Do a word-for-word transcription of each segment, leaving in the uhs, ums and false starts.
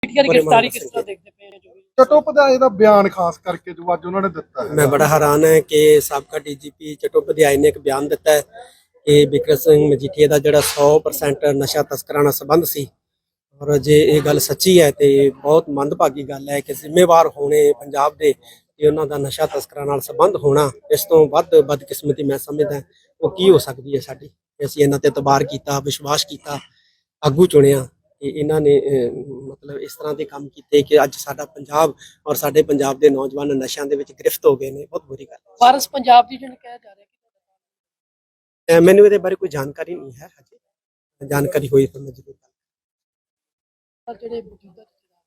ਪੀਟੀਆਰ ਦੀ ਗ੍ਰਿਫਤਾਰੀ ਕਿਸ ਤਰ੍ਹਾਂ ਦੇਖਦੇ ਪਏ ਹੋ ਜੋ ਵੀ ਚਟੋਪਾਧਿਆਏ ਦਾ ਬਿਆਨ ਖਾਸ ਕਰਕੇ ਜੋ ਅੱਜ ਉਹਨਾਂ ਨੇ ਦਿੱਤਾ ਹੈ। मैं बड़ा हैरान है कि ਸਾਬਕਾ ਡੀਜੀਪੀ ਚਟੋਪਾਧਿਆਏ ਨੇ ਇੱਕ ਬਿਆਨ ਦਿੱਤਾ ਹੈ ਕਿ ਬਿਕਰਮ ਸਿੰਘ ਮਜੀਠੀਆ ਦਾ ਜਿਹੜਾ ਸੌ ਪਰਸੈਂਟ ਨਸ਼ਾ ਤਸਕਰਾਂ ਨਾਲ ਸੰਬੰਧ ਸੀ। ਔਰ ਜੇ ਇਹ ਗੱਲ ਸੱਚੀ ਹੈ ਤੇ ਬਹੁਤ ਮੰਦਭਾਗੀ ਗੱਲ ਹੈ ਕਿ ਜ਼ਿੰਮੇਵਾਰ ਹੋਣੇ ਪੰਜਾਬ ਦੇ ਤੇ ਉਹਨਾਂ ਦਾ ਨਸ਼ਾ ਤਸਕਰਾਂ ਨਾਲ ਸੰਬੰਧ ਹੋਣਾ, ਇਸ ਤੋਂ ਵੱਧ ਬਦਕਿਸਮਤੀ ਮੈਂ ਸਮਝਦਾ ਉਹ ਕੀ ਹੋ ਸਕਦੀ ਹੈ ਸਾਡੀ। ਅਸੀਂ ਇਹਨਾਂ ਤੇ ਇਤਬਾਰ ਕੀਤਾ, ਵਿਸ਼ਵਾਸ ਕੀਤਾ, ਆਗੂ ਚੁਣਿਆ ਕਿ ਇਹਨਾਂ ਨੇ ਅਹ, ਮਤਲਬ ਇਸ ਤਰ੍ਹਾਂ ਦੇ ਕੰਮ ਕੀਤੇ ਕਿ ਅੱਜ ਸਾਡਾ ਪੰਜਾਬ ਔਰ ਸਾਡੇ ਪੰਜਾਬ ਦੇ ਨੌਜਵਾਨ ਨਸ਼ਿਆਂ ਦੇ ਵਿੱਚ ਗ੍ਰਿਫਤ ਹੋ ਗਏ ਨੇ। ਬਹੁਤ ਬੁਰੀ ਗੱਲ ਹੈ। ਵਾਰਸ ਪੰਜਾਬ ਦੀ ਜਿਹਨੂੰ ਕਿਹਾ ਜਾ ਰਿਹਾ ਕਿ ਅਹ, ਮੈਨੂੰ ਇਹਦੇ ਬਾਰੇ ਕੋਈ ਜਾਣਕਾਰੀ ਨਹੀਂ ਹੈ ਹਜੇ। ਜਾਣਕਾਰੀ ਹੋਈ ਤਾਂ ਮੈਂ ਜ਼ਰੂਰ ਪਰ ਜਿਹੜੇ ਮੌਜੂਦਾ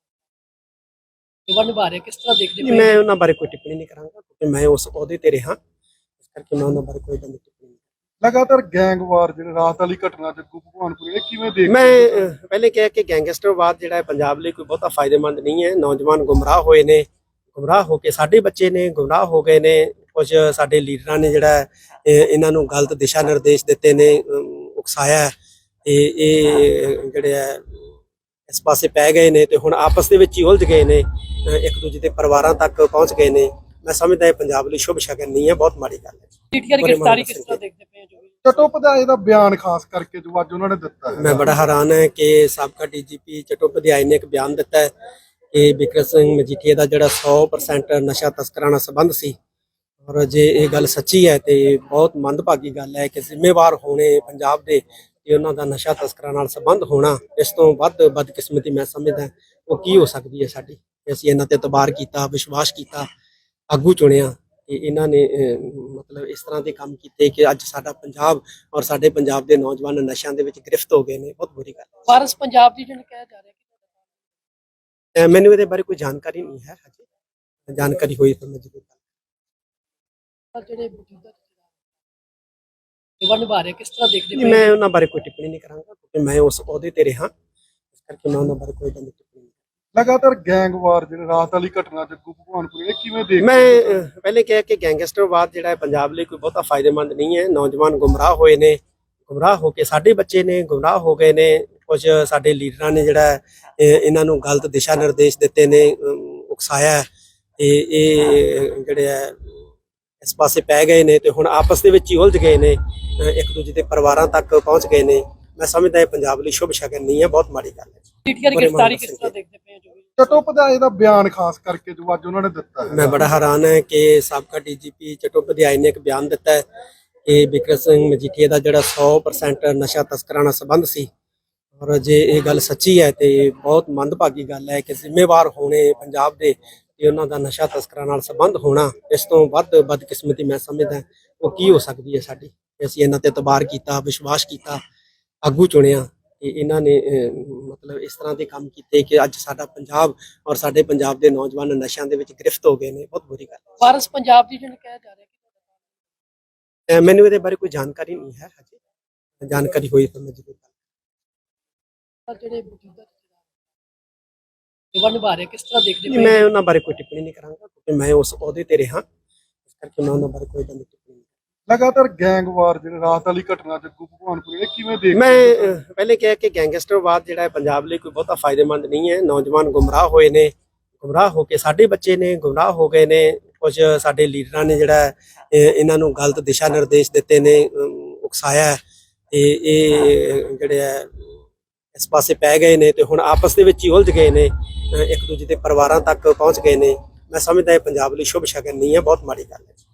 ਜਵਾਨ ਨਿਭਾ ਰਹੇ ਕਿਸ ਤਰ੍ਹਾਂ ਦੇਖਦੇ ਨਹੀਂ, ਪਏ ਮੈਂ ਉਹਨਾਂ ਬਾਰੇ ਕੋਈ ਟਿੱਪਣੀ ਨਹੀਂ ਕਰਾਂਗਾ ਕਿਉਂਕਿ ਮੈਂ ਉਸ ਅਹੁਦੇ ਤੇ ਰਿਹਾ, ਇਸ ਕਰਕੇ ਮੈਂ ਉਹਨਾਂ ਬਾਰੇ ਕੋਈ ਗੱਲ ਨਹੀਂ ਟਿੱਪਣੀ ਨਹੀਂ। ਲਗਾਤਾਰ ਗੈਂਗਵਾਰ ਜਿਹੜੇ ਰਾਤ ਵਾਲੀ ਘਟਨਾ ਜੱਗੂ ਭਗਵਾਨਪੁਰ ਇਹ ਕਿਵੇਂ ਦੇਖਦੇ ਮੈਂ ਹੋ? ਅਹ, ਪਹਿਲੇ ਕਿਹਾ ਕਿ ਗੈਂਗਸਟਰਵਾਦ ਜਿਹੜਾ ਹੈ ਪੰਜਾਬ ਲਈ ਕੋਈ ਬਹੁਤਾ ਫਾਇਦੇਮੰਦ ਨਹੀਂ ਹੈ। ਨੌਜਵਾਨ ਗੁੰਮਰਾਹ ਹੋਏ ਨੇ, ਗੁੰਮਰਾਹ ਹੋ ਕੇ ਸਾਡੇ ਬੱਚੇ ਨੇ ਗੁੰਮਰਾਹ ਹੋ ਗਏ ਨੇ। ਕੁਝ ਸਾਡੇ ਲੀਡਰਾਂ ਨੇ ਜਿਹੜਾ ਹੈ, ਇਹ- ਇਹਨਾਂ ਨੂੰ ਗਲਤ ਦਿਸ਼ਾ ਨਿਰਦੇਸ਼ ਦਿੱਤੇ ਨੇ, ਅਮ, ਉਕਸਾਇਆ ਹੈ ਤੇ ਇਹ ਜਿਹੜੇ ਹੈ ਇਸ ਪਾਸੇ ਪੈ ਗਏ ਨੇ ਤੇ ਹੁਣ ਆਪਸ ਦੇ ਵਿੱਚ ਹੀ ਉਲਝ ਗਏ ਨੇ, ਅਹ, ਇੱਕ ਦੂਜੇ ਦੇ ਪਰਿਵਾਰਾਂ ਤੱਕ ਪਹੁੰਚ ਗਏ ਨੇ। ਮੈਂ ਸਮਝਦਾ ਇਹ ਪੰਜਾਬ ਲਈ ਸ਼ੁਭ ਸ਼ਗਨ ਨਹੀਂ ਹੈ, ਬਹੁਤ ਮਾੜੀ ਗੱਲ ਹੈ। ਪੀਟੀਆਰ ਦੀ ਗ੍ਰਿਫਤਾਰੀ ਕਿਸ ਤਰ੍ਹਾਂ ਦੇਖਦੇ ਪਏ ਹੋ ਜੋ ਵੀ ਚਟੋਪਾਧਿਆਏ ਦਾ ਬਿਆਨ ਖਾਸ ਕਰਕੇ ਜੋ ਅੱਜ ਉਹਨਾਂ ਨੇ ਦਿੱਤਾ ਹੈ। ਮੈਂ ਬੜਾ ਹੈਰਾਨ ਹੈ ਕਿ ਸਾਬਕਾ ਡੀਜੀਪੀ ਚਟੋਪਾਧਿਆਏ ਨੇ ਇੱਕ ਬਿਆਨ ਦਿੱਤਾ ਹੈ ਕਿ ਬਿਕਰਮ ਸਿੰਘ ਮਜੀਠੀਆ ਦਾ ਜਿਹੜਾ ਸੌ ਪਰਸੈਂਟ ਨਸ਼ਾ ਤਸਕਰਾਂ ਨਾਲ ਸੰਬੰਧ ਸੀ। ਔਰ ਜੇ ਇਹ ਗੱਲ ਸੱਚੀ ਹੈ ਤੇ ਬਹੁਤ ਮੰਦਭਾਗੀ ਗੱਲ ਹੈ ਕਿ ਜ਼ਿੰਮੇਵਾਰ ਹੋਣੇ ਪੰਜਾਬ ਦੇ ਤੇ ਉਹਨਾਂ ਦਾ ਨਸ਼ਾ ਤਸਕਰਾਂ ਨਾਲ ਸੰਬੰਧ ਹੋਣਾ, ਇਸ ਤੋਂ ਵੱਧ ਬਦਕਿਸਮਤੀ ਮੈਂ ਸਮਝਦਾ ਉਹ ਕੀ ਹੋ ਸਕਦੀ ਹੈ ਸਾਡੀ। ਅਸੀਂ ਇਹਨਾਂ ਤੇ ਇਤਬਾਰ ਕੀਤਾ, ਵਿਸ਼ਵਾਸ ਕੀਤਾ, ਆਗੂ ਚੁਣਿਆ ਕਿ ਇਹਨਾਂ ਨੇ ਅਹ, ਮਤਲਬ ਇਸ ਤਰ੍ਹਾਂ ਦੇ ਕੰਮ ਕੀਤੇ ਕਿ ਅੱਜ ਸਾਡਾ ਪੰਜਾਬ ਔਰ ਸਾਡੇ ਪੰਜਾਬ ਦੇ ਨੌਜਵਾਨ ਨਸ਼ਿਆਂ ਦੇ ਵਿੱਚ ਗ੍ਰਿਫਤ ਹੋ ਗਏ ਨੇ। ਬਹੁਤ ਬੁਰੀ ਗੱਲ ਹੈ। ਵਾਰਸ ਪੰਜਾਬ ਦੀ ਜਿਹਨੂੰ ਕਿਹਾ ਜਾ ਰਿਹਾ ਕਿ ਅਹ, ਮੈਨੂੰ ਇਹਦੇ ਬਾਰੇ ਕੋਈ ਜਾਣਕਾਰੀ ਨਹੀਂ ਹੈ ਹਜੇ। ਜਾਣਕਾਰੀ ਹੋਈ ਤਾਂ ਮੈਂ ਜ਼ਰੂਰ ਪਰ ਜਿਹੜੇ ਮੌਜੂਦਾ ਜਵਾਨ ਨਿਭਾ ਰਹੇ ਕਿਸ ਤਰ੍ਹਾਂ ਦੇਖਦੇ ਨਹੀਂ, ਪਏ ਮੈਂ ਉਹਨਾਂ ਬਾਰੇ ਕੋਈ ਟਿੱਪਣੀ ਨਹੀਂ ਕਰਾਂਗਾ ਕਿਉਂਕਿ ਮੈਂ ਉਸ ਅਹੁਦੇ ਤੇ ਰਿਹਾ, ਇਸ ਕਰਕੇ ਮੈਂ ਉਹਨਾਂ ਬਾਰੇ ਕੋਈ ਗੱਲ ਨਹੀਂ ਟਿੱਪਣੀ ਨਹੀਂ। ਲਗਾਤਾਰ ਗੈਂਗਵਾਰ ਜਿਹੜੇ ਰਾਤ ਵਾਲੀ ਘਟਨਾ ਜੱਗੂ ਭਗਵਾਨਪੁਰ ਇਹ ਕਿਵੇਂ ਦੇਖਦੇ ਮੈਂ ਹੋ? ਅਹ, ਪਹਿਲੇ ਕਿਹਾ ਕਿ ਗੈਂਗਸਟਰਵਾਦ ਜਿਹੜਾ ਹੈ ਪੰਜਾਬ ਲਈ ਕੋਈ ਬਹੁਤਾ ਫਾਇਦੇਮੰਦ ਨਹੀਂ ਹੈ। ਨੌਜਵਾਨ ਗੁੰਮਰਾਹ ਹੋਏ ਨੇ, ਗੁੰਮਰਾਹ ਹੋ ਕੇ ਸਾਡੇ ਬੱਚੇ ਨੇ ਗੁੰਮਰਾਹ ਹੋ ਗਏ ਨੇ। ਕੁਝ ਸਾਡੇ ਲੀਡਰਾਂ ਨੇ ਜਿਹੜਾ ਹੈ, ਇਹ- ਇਹਨਾਂ ਨੂੰ ਗਲਤ ਦਿਸ਼ਾ ਨਿਰਦੇਸ਼ ਦਿੱਤੇ ਨੇ, ਅਮ, ਉਕਸਾਇਆ ਹੈ ਤੇ ਇਹ ਜਿਹੜੇ ਹੈ ਇਸ ਪਾਸੇ ਪੈ ਗਏ ਨੇ ਤੇ ਹੁਣ ਆਪਸ ਦੇ ਵਿੱਚ ਹੀ ਉਲਝ ਗਏ ਨੇ, ਅਹ, ਇੱਕ ਦੂਜੇ ਦੇ ਪਰਿਵਾਰਾਂ ਤੱਕ ਪਹੁੰਚ ਗਏ ਨੇ। ਮੈਂ ਸਮਝਦਾ ਇਹ ਪੰਜਾਬ ਲਈ ਸ਼ੁਭ ਸ਼ਗਨ ਨਹੀਂ ਹੈ, ਬਹੁਤ ਮਾੜੀ ਗੱਲ ਹੈ। ਪੀਟੀਆਰ ਦੀ ਗ੍ਰਿਫਤਾਰੀ ਕਿਸ ਤਰ੍ਹਾਂ ਦੇਖਦੇ ਪਏ ਹੋ ਜੋ ਵੀ ਚਟੋਪਾਧਿਆਏ ਦਾ ਬਿਆਨ ਖਾਸ ਕਰਕੇ ਜੋ ਅੱਜ ਉਹਨਾਂ ਨੇ ਦਿੱਤਾ ਹੈ। ਮੈਂ ਬੜਾ ਹੈਰਾਨ ਹੈ ਕਿ ਸਾਬਕਾ ਡੀਜੀਪੀ ਚਟੋਪਾਧਿਆਏ ਨੇ ਇੱਕ ਬਿਆਨ ਦਿੱਤਾ ਹੈ ਕਿ ਬਿਕਰਮ ਸਿੰਘ ਮਜੀਠੀਆ ਦਾ ਜਿਹੜਾ ਸੌ ਪਰਸੈਂਟ ਨਸ਼ਾ ਤਸਕਰਾਂ ਨਾਲ ਸੰਬੰਧ ਸੀ। ਔਰ ਜੇ ਇਹ ਗੱਲ ਸੱਚੀ ਹੈ ਤੇ ਬਹੁਤ ਮੰਦਭਾਗੀ ਗੱਲ ਹੈ ਕਿ ਜ਼ਿੰਮੇਵਾਰ ਹੋਣੇ ਪੰਜਾਬ ਦੇ ਤੇ ਉਹਨਾਂ ਦਾ ਨਸ਼ਾ ਤਸਕਰਾਂ ਨਾਲ ਸੰਬੰਧ ਹੋਣਾ, ਇਸ ਤੋਂ ਵੱਧ ਬਦਕਿਸਮਤੀ ਮੈਂ ਸਮਝਦਾ ਉਹ ਕੀ ਹੋ ਸਕਦੀ ਹੈ ਸਾਡੀ। ਅਸੀਂ ਇਹਨਾਂ ਤੇ ਇਤਬਾਰ ਕੀਤਾ, ਵਿਸ਼ਵਾਸ ਕੀਤਾ, ਆਗੂ ਚੁਣਿਆ ਕਿ ਇਹਨਾਂ ਨੇ ਅਹ, ਮਤਲਬ ਇਸ ਤਰ੍ਹਾਂ ਦੇ ਕੰਮ ਕੀਤੇ ਕਿ ਅੱਜ ਸਾਡਾ ਪੰਜਾਬ ਔਰ ਸਾਡੇ ਪੰਜਾਬ ਦੇ ਨੌਜਵਾਨ ਨਸ਼ਿਆਂ ਦੇ ਵਿੱਚ ਗ੍ਰਿਫਤ ਹੋ ਗਏ ਨੇ। ਬਹੁਤ ਬੁਰੀ ਗੱਲ ਹੈ। ਵਾਰਸ ਪੰਜਾਬ ਦੀ ਜਿਹਨੂੰ ਕਿਹਾ ਜਾ ਰਿਹਾ ਕਿ ਅਹ, ਮੈਨੂੰ ਇਹਦੇ ਬਾਰੇ ਕੋਈ ਜਾਣਕਾਰੀ ਨਹੀਂ ਹੈ ਹਜੇ। ਜਾਣਕਾਰੀ ਹੋਈ ਤਾਂ ਮੈਂ ਜ਼ਰੂਰ ਪਰ ਜਿਹੜੇ ਮੌਜੂਦਾ ਜਵਾਨ ਨਿਭਾ ਰਹੇ ਕਿਸ ਤਰ੍ਹਾਂ ਦੇਖਦੇ ਨਹੀਂ, ਪਏ ਮੈਂ ਉਹਨਾਂ ਬਾਰੇ ਕੋਈ ਟਿੱਪਣੀ ਨਹੀਂ ਕਰਾਂਗਾ ਕਿਉਂਕਿ ਮੈਂ ਉਸ ਅਹੁਦੇ ਤੇ ਰਿਹਾ, ਇਸ ਕਰਕੇ ਮੈਂ ਉਹਨਾਂ ਬਾਰੇ ਕੋਈ ਗੱਲ ਨਹੀਂ ਟਿੱਪਣੀ ਨਹੀਂ। ਲਗਾਤਾਰ ਗੈਂਗਵਾਰ ਜਿਹੜੇ ਰਾਤ ਵਾਲੀ ਘਟਨਾ ਜੱਗੂ ਭਗਵਾਨਪੁਰ ਇਹ ਕਿਵੇਂ ਦੇਖਦੇ ਮੈਂ ਹੋ? ਅਹ, ਪਹਿਲੇ ਕਿਹਾ ਕਿ ਗੈਂਗਸਟਰਵਾਦ ਜਿਹੜਾ ਹੈ ਪੰਜਾਬ ਲਈ ਕੋਈ ਬਹੁਤਾ ਫਾਇਦੇਮੰਦ ਨਹੀਂ ਹੈ। ਨੌਜਵਾਨ ਗੁੰਮਰਾਹ ਹੋਏ ਨੇ, ਗੁੰਮਰਾਹ ਹੋ ਕੇ ਸਾਡੇ ਬੱਚੇ ਨੇ ਗੁੰਮਰਾਹ ਹੋ ਗਏ ਨੇ। ਕੁਝ ਸਾਡੇ ਲੀਡਰਾਂ ਨੇ ਜਿਹੜਾ ਹੈ, ਇਹ- ਇਹਨਾਂ ਨੂੰ ਗਲਤ ਦਿਸ਼ਾ ਨਿਰਦੇਸ਼ ਦਿੱਤੇ ਨੇ, ਅਮ, ਉਕਸਾਇਆ ਹੈ ਤੇ ਇਹ ਜਿਹੜੇ ਹੈ ਇਸ ਪਾਸੇ ਪੈ ਗਏ ਨੇ ਤੇ ਹੁਣ ਆਪਸ ਦੇ ਵਿੱਚ ਹੀ ਉਲਝ ਗਏ ਨੇ, ਅਹ, ਇੱਕ ਦੂਜੇ ਦੇ ਪਰਿਵਾਰਾਂ ਤੱਕ ਪਹੁੰਚ ਗਏ ਨੇ। ਮੈਂ ਸਮਝਦਾ ਇਹ ਪੰਜਾਬ ਲਈ ਸ਼ੁਭ ਸ਼ਗਨ ਨਹੀਂ ਹੈ, ਬਹੁਤ ਮਾੜੀ ਗੱਲ ਹੈ।